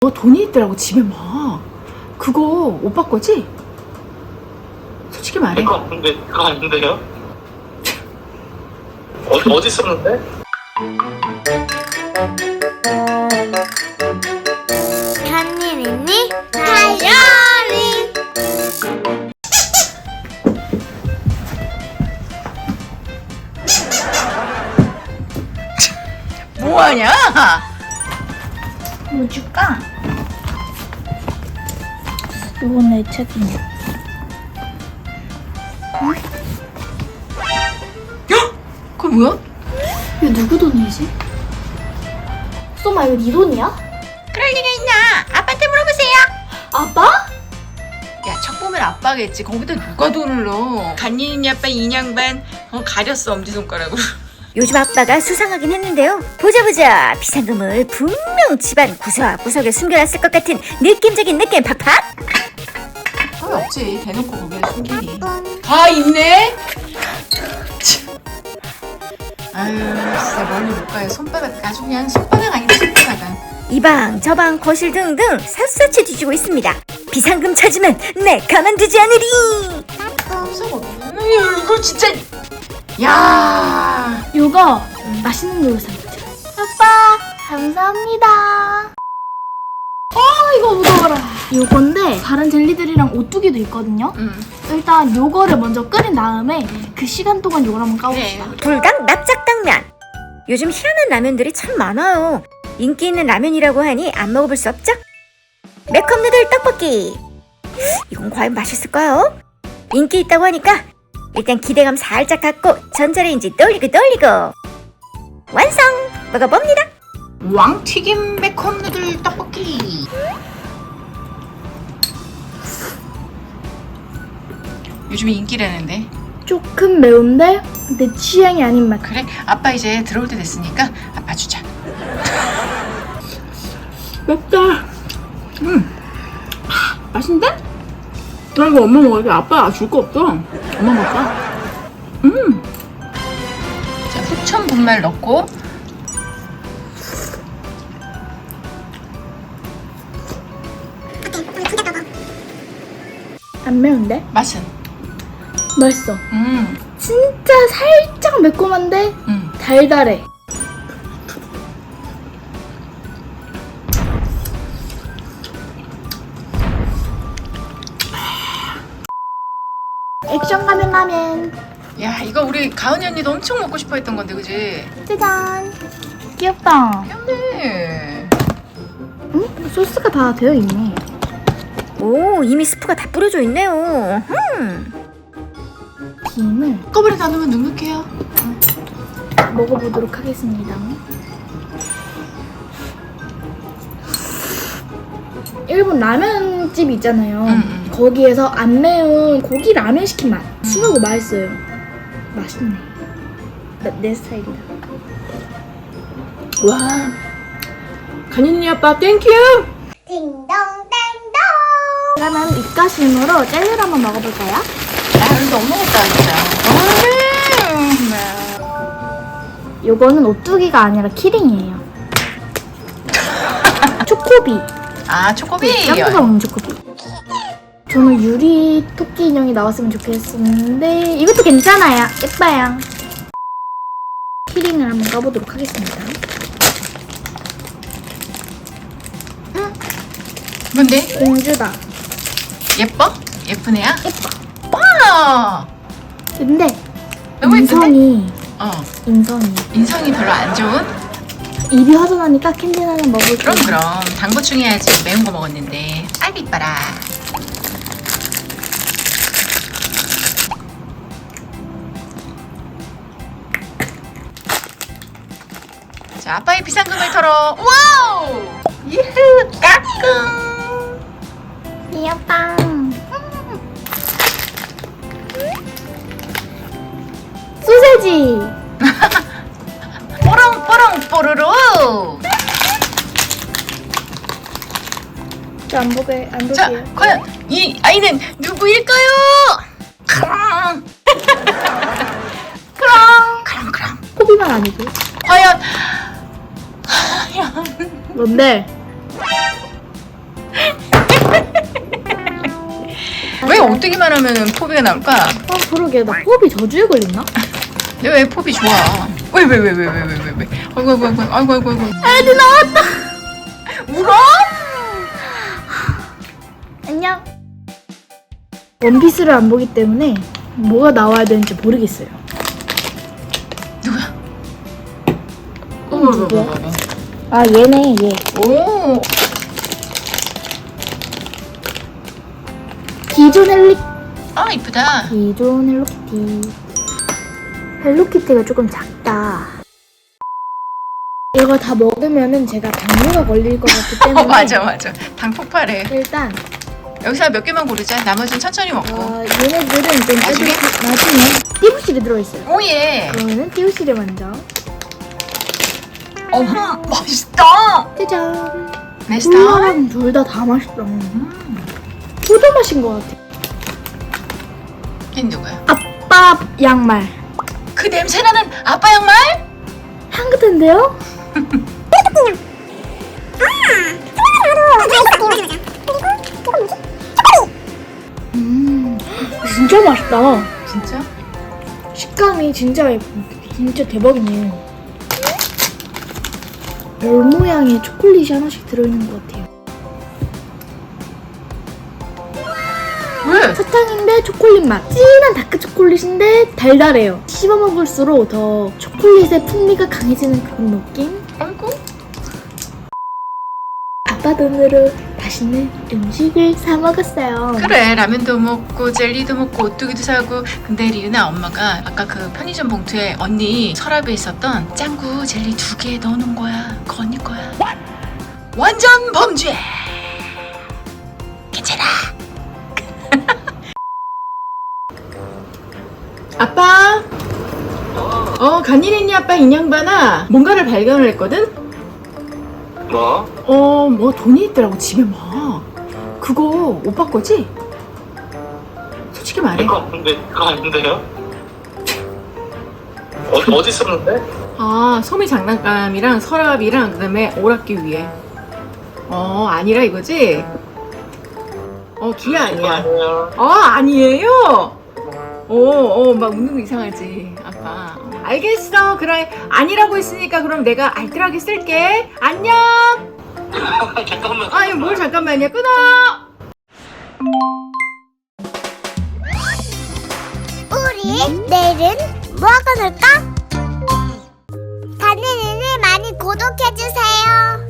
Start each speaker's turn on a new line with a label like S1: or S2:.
S1: 돈이 있더라고 집에 막. 그거 오빠 거지? 솔직히 말해.
S2: 그거 아닌데요? 어디 있었는데?
S3: 한일 있니? 다이어리.
S1: 뭐하냐?
S3: 뭐 줄까? 이건 내 책이냐?
S1: 그거 뭐야?
S3: 이거 누구 돈이지? 쏘마 이거 네 돈이야?
S1: 그럴 리가 있나? 아빠한테 물어보세요.
S3: 아빠?
S1: 야, 척 보면 아빠겠지. 거기다 누가 돈을 넣어? 간이니 아빠 인양반 가렸어 엄지손가락으로.
S4: 요즘 아빠가 수상하긴 했는데요. 보자 비상금을 분명 집안 구석구석에 숨겨놨을 것 같은 느낌적인 느낌 팍팍.
S1: 없지. 대놓고 거기에 숨기니. 다 있네. 아유 진짜 멀리 못 가요. 손바닥 아주 그냥 손바닥 아닌데 손바닥.
S4: 이방 저방 거실 등등 샅샅이 뒤지고 있습니다. 비상금 찾으면 내 가만두지 않으리.
S1: 이거 진짜. 야.
S3: 이거 맛있는 걸로 샀죠. 아빠 감사합니다. 이거 무거워라. 요건데 다른 젤리들이랑 오뚜기도 있거든요. 일단 요거를 먼저 끓인 다음에 그 시간 동안 요걸 한번 까봅시다.
S4: 불닭 납작당면. 요즘 희한한 라면들이 참 많아요. 인기 있는 라면이라고 하니 안 먹어볼 수 없죠? 매콤누들 떡볶이. 이건 과연 맛있을까요? 인기 있다고 하니까 일단 기대감 살짝 갖고 전자레인지 돌리고 완성! 먹어봅니다.
S1: 왕튀김 매콤 누들 떡볶이. 요즘에 인기라는데.
S3: 조금 매운데 내 취향이 아닌 맛.
S1: 그래? 아빠 이제 들어올 때 됐으니까 아빠 주자. 맵다. 맛있는데? 나 이거 엄마 먹어. 이거 아빠 줄 거 없어. 엄마 먹자. 자, 후천 분말 넣고.
S3: 안 매운데?
S1: 맛은?
S3: 맛있어. 진짜 살짝 매콤한데 달달해. 액션 가면 라면.
S1: 야, 이거 우리 가은이 언니도 엄청 먹고 싶어 했던 건데, 그지?
S3: 짜잔. 귀엽다.
S1: 귀엽네.
S3: 응? 소스가 다 되어 있네.
S4: 오, 이미 스프가 다 뿌려져 있네요.
S3: 김을
S1: 꺼버려 나누면 눅눅해요.
S3: 먹어보도록 하겠습니다. 일본 라면집 있잖아요. 거기에서 안 매운 고기 라면 시킨 맛. 순하고 맛있어요. 맛있네. 내 스타일이다.
S1: 와. 간이니 아빠 땡큐.
S3: 그러면 입가심으로 젤리를 한번 먹어볼까요?
S1: 아, 근데 너무 먹었다 진짜.
S3: 요거는 오뚜기가 아니라 키링이에요. 초코비.
S1: 아, 초코비.
S3: 짱구가 먹는 초코비. 저는 유리 토끼 인형이 나왔으면 좋겠었는데 이것도 괜찮아요. 예뻐요. 키링을 한번 까보도록 하겠습니다.
S1: 뭔데?
S3: 공주다.
S1: 예뻐? 예쁜 애야?
S3: 예뻐.
S1: 와.
S3: 근데
S1: 너무 예쁜데?
S3: 인성이
S1: 인성이 별로 안 좋은?
S3: 입이 허전하니까 캔디 하나 먹을게요.
S1: 그럼 당 보충해야지. 매운 거 먹었는데. 아이고 이뻐라. 자, 아빠의 비상금을 털어. 와우! 유후 까꿍.
S3: 귀엽다. 소세지.
S1: 뽀롱뽀롱 뽀로로.
S3: 저 안 볼게요.
S1: 자, 과연 이 아이는 누구일까요? 크랑. 크랑.
S3: 코비만 아니고.
S1: 과연
S3: 뭔데?
S1: 오뚜기만 하면은 포비가 나올까?
S3: 아 그러게 나 호흡이 저주에 걸렸나?
S1: 근데 왜 포비 좋아? 왜? 아이고.
S3: 애들 나왔다.
S1: 울어?
S3: 안녕. 원피스를 안 보기 때문에 뭐가 나와야 되는지 모르겠어요.
S1: 누구야?
S3: 누구야? 아 얘네 얘.
S1: 오.
S3: 기존
S1: 아 이쁘다.
S3: 기존 헬로키티. 헬로키티가 조금 작다. 이거 다 먹으면은 제가 당뇨가 걸릴 것 같기 때문에
S1: 맞아. 당 폭발해.
S3: 일단
S1: 여기서 몇 개만 고르자. 나머지는 천천히 먹고.
S3: 얘네들은 좀
S1: 나중에?
S3: 나중에 띠부실이 들어있어요.
S1: 오예.
S3: 그러면은 띠부실을 먼저
S1: 맛있다.
S3: 짜잔.
S1: 맛있다.
S3: 콜라랑 둘 다 맛있다. 포도 맛인 것 같아.
S1: 걘 누구야?
S3: 아빠 양말
S1: 그 냄새나는 아빠 양말?
S3: 향긋한데요? 진짜 맛있다.
S1: 진짜?
S3: 식감이 진짜 대박이네. 별 모양의 초콜릿이 하나씩 들어있는 것 같아요.
S1: 왜?
S3: 사탕인데 초콜릿 맛. 진한 다크 초콜릿인데 달달해요. 씹어 먹을수록 더 초콜릿의 풍미가 강해지는 그런 느낌?
S1: 아이고.
S3: 아빠 돈으로 맛있는 음식을 사 먹었어요.
S1: 그래, 라면도 먹고 젤리도 먹고 오뚜기도 사고. 근데 리은아 엄마가 아까 그 편의점 봉투에 언니 서랍에 있었던 짱구 젤리 2개 넣어놓은 거야. 그거 언니 거야. 완전 범죄. 괜찮아. 아빠. 간이린이 아빠 인형반아 뭔가를 발견을 했거든?
S2: 뭐?
S1: 뭐 돈이 있더라고 집에 막. 그거 오빠 거지? 솔직히 말해.
S2: 그거 아닌데요? 어디 썼는데?
S1: 아, 소미 장난감이랑 서랍이랑 그다음에 오락기 위에. 아니라 이거지? 기회 아니야.
S2: 아니에요.
S1: 아니에요? 막 웃는 거 이상하지, 아빠. 알겠어. 그래, 아니라고 했으니까 그럼 내가 알뜰하게 쓸게. 안녕!
S2: 잠깐만.
S1: 아니, 뭘 잠깐만요. 끊어!
S5: 우리 내일은 뭐하고 놀까? 다니는을 많이 구독해주세요.